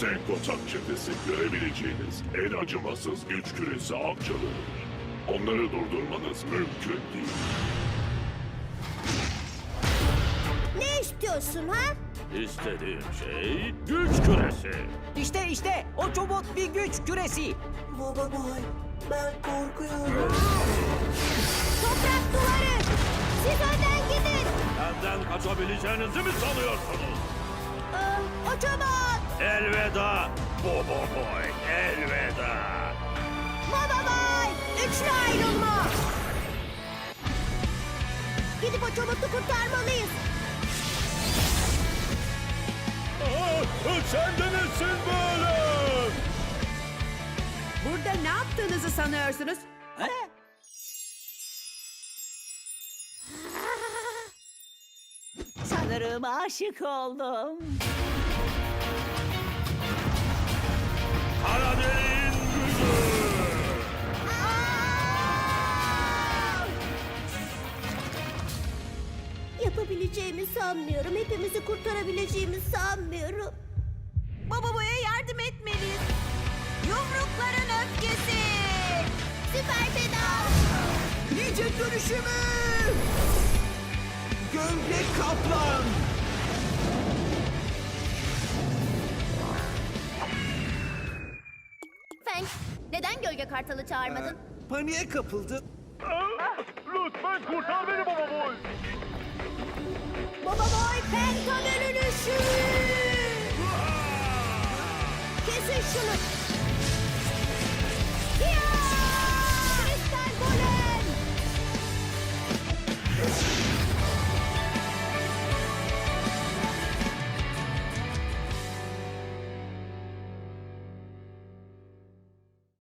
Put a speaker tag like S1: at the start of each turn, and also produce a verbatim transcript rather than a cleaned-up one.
S1: Senkotak çetesi görebileceğiniz en acımasız güç küresi avcıları. Onları durdurmanız mümkün değil.
S2: Ne istiyorsun ha?
S3: İstediğim şey güç küresi.
S4: İşte işte o çobot bir güç küresi.
S5: Baba boy, ben korkuyorum.
S2: Toprak duvarı! Siz önden gidin!
S3: Benden kaçabileceğinizi mi sanıyorsunuz?
S2: Aa, o çobot!
S3: Elveda Bobo Boy, elveda.
S2: Baba boy! Üçlü ayrılma! Gidip o çobotu kurtarmalıyız.
S3: Sen de nesin böyle?
S6: Burada ne yaptığınızı sanıyorsunuz?
S4: Sanırım aşık oldum.
S3: Kara deliğin gücü.
S2: Yapabileceğimi sanmıyorum. Hepimizi kurtarabileceğimi sanmıyorum. Baba boya yardım etmeliyiz. Yumrukların öfkesi. Süper pedal.
S5: Ninja dönüşümü! Gölge kaplan!
S2: Fenk, neden gölge kartalı çağırmadın?
S5: Paniğe kapıldı.
S3: Lütfen kurtar beni Bobo Boy.
S2: Baba boy penta dönüşü. Kesin şunu.